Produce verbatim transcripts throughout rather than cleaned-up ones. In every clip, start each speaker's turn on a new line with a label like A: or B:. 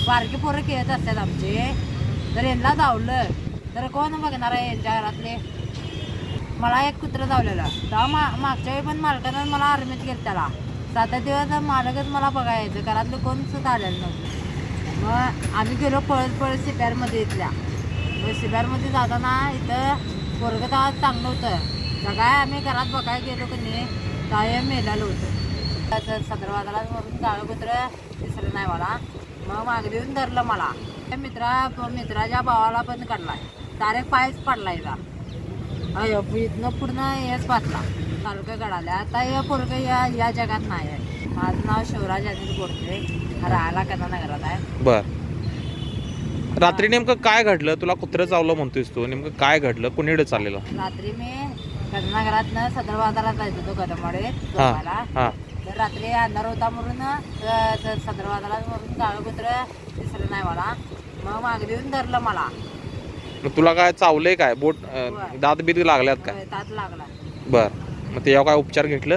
A: बारकी पोरं खेळत असतात आमचे, जर यांना धावलं तर कोण बघणार आहे यांच्या घरातले. मला एक कुत्रं धावलेलं तेव्हा मा मागच्या वेळी पण मालकानं मला आर्मीत गेलं त्याला सात आठ दिवस मालकच मला बघायचं, घरातलं कोण सुद्धा आलेलं नव्हतं. मग आम्ही गेलो पळत पळत सिप्यारमध्ये इथल्या. मग सिप्यारमध्ये जाताना इथं पोरगं तेव्हा चांगलं होतं, काय आम्ही घरात बघायला गेलो की नाही कायम मेलेलं होतं. सतरा वाजाला म्हणून जाळं कुत्रं दिसलं नाही मला. मग मागे येऊन धरलं मला. मित्रा मित्राच्या भावाला पण काढलाय, डायरेक्ट पायच पडलाय का अयो इथनं पूर्ण हेच पाचला तालुका गडाला. आता हे पोरगं या या जगात नाही आहे. माझं नाव शिवराज अनिल गोडके, राहायला कन्नानगरात आहे.
B: बर, रात्री नेमकं काय घडलं? तुला कुत्रं चावलं म्हणतोयस तू, नेमकं काय घडलं? कुणीकडे चाललेलं?
A: रात्री मी कन्नानगरातनं सदर बाजारात जायचो होतो कदमवाडीत झोपायला.
B: हां,
A: तर रात्री अंधार होता म्हणून सदर बाजारात म्हणून जाळं कुत्रं दिसलं नाही मला. मग मागे येऊन धरलं मला.
B: मग तुला काय चावलंय? काय बोट अं, दात बीत लागल्यात काय?
A: तात लागला.
B: बर, मग त्याच्यावर काय उपचार घेतलं?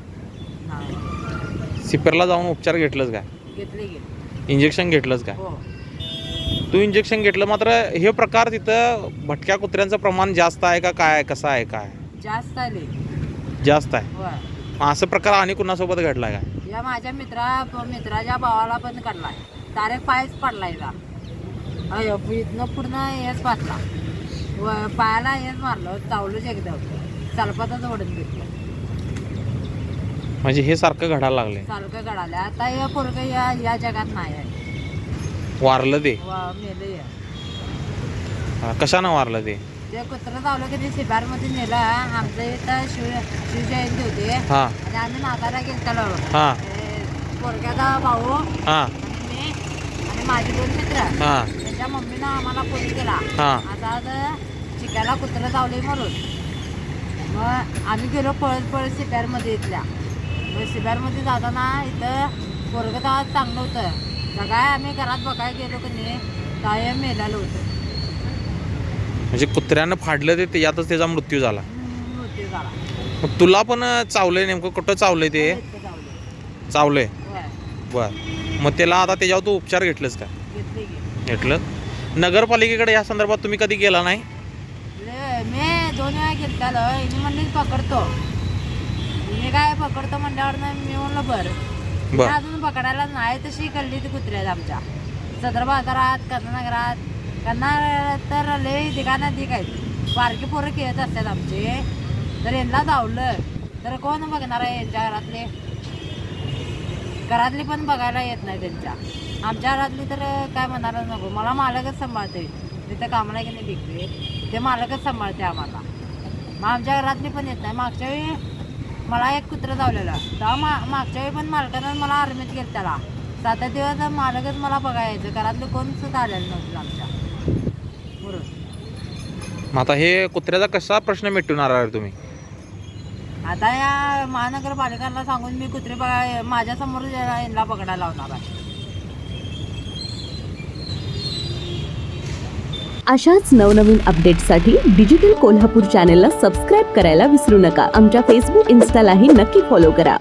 A: नाही
B: सिपेरला जाऊन उपचार घेतलंच काय?
A: घेतले गेले.
B: इंजेक्शन घेतलंच काय?
A: हो
B: तू इंजेक्शन घेतलं, मात्र हे प्रकार तिथं भटक्या कुत्र्यांचं प्रमाण जास्त आहे का काय? कसं आहे काय?
A: जास्त आले.
B: जास्त आहे.
A: होय,
B: मग असं प्रकार आणि कुणासोबत घडला काय?
A: या माझ्या मित्रा मित्राच्या भावाला पण काढलाय, डायरेक्ट पायच पडलाय का अयो इथनं पूर्ण हेच पाचला. व पायाला हेच मारलं, चावलंच एकदम, चालपातच ओढून घेतलं.
B: म्हणजे हे सारखं घडायला लागले.
A: चालकं गडाला. आता हे पोरगं या या जगात नाही आहे.
B: वारलं ते?
A: वा मेलं या.
B: हा, कशानं वारलं ते?
A: ते कुत्रं चावलं की ते शिबारमध्ये नेलं. आमच्या इथं शिव शिवजयंती होती
B: हां
A: आणि आम्ही नागायला गेलो.
B: हां
A: पोरग्याचा भाऊ
B: हां
A: आणि मी आणि माझे दोन मित्र,
B: हां
A: त्यांच्या मम्मीनं आम्हाला फोन केला
B: हां
A: आता आता चिक्याला कुत्रं चावले म्हणून. मग आम्ही गेलो पळत पळत सिप्यारमध्ये इथल्या. मग सिप्यारमध्ये जाताना इथं पोरगं तेव्हा चांगलं होतं, काय आम्ही घरात बघायला गेलो की नाही कायम मेलेलं होतं.
B: म्हणजे कुत्र्यानं फाडलं ते, त्याच्यातच त्याचा मृत्यू झाला.
A: मृत्यू झाला.
B: मग तुला पण चावलंय? नेमकं कुठं चावलंय ते?
A: इतकं चावलं.
B: चावलंय.
A: होय,
B: बर, मग त्याला आता त्याच्यावर तू उपचार घेतलंस का?
A: घेतली की.
B: घेतलं. नगरपालिकेकडे या संदर्भात तुम्ही कधी गेला नाही?
A: ले- मी दोन वेळा घेतलं. हिने म्हणली पकडतो, मी काय पकडतो म्हणल्यावर ना मी म्हणलं बरं.
B: बर,
A: अजून पकडायला नाही तशी कळली ती कुत्र्यात आमच्या सदर बाजारात कन्नानगरात. कन्ना तर लय ठिकाणात दिक आहेत. बारकी पोरं खेळत असतात आमचे, जर यांना धावलं तर कोण बघणार आहे यांच्या घरातले. घरातली पण बघायला येत नाही त्यांच्या. आमच्या घरातली तर काय म्हणायला नको, मला मालकच सांभाळते. तिथं कामाला की नाही बिकते ते मालकच सांभाळते आम्हाला. मग आमच्या घरातली पण येत नाही. मागच्या वेळी मला एक कुत्रं धावलेलं तेव्हा मा मागच्या वेळी पण मालकानं मला आर्मीत गेलं त्याला सात आठ दिवस मालकच मला बघायचं, घरातलं कोण सुद्धा आलेलं नव्हतं आमच्या बरोबर.
B: मग आता हे कुत्र्याचा कसा प्रश्न मिटवणार आहे तुम्ही?
A: आता या महानगरपालिकांना सांगून मी कुत्रे बघा माझ्यासमोर यांना पकडायला लावणार आहे.
C: अशाच नवनवीन अपडेट्ससाठी डिजिटल कोल्हापूर चॅनेलला सबस्क्राईब करायला विसरू नका. आमच्या फेसबुक इन्स्टालाही नक्की फॉलो करा.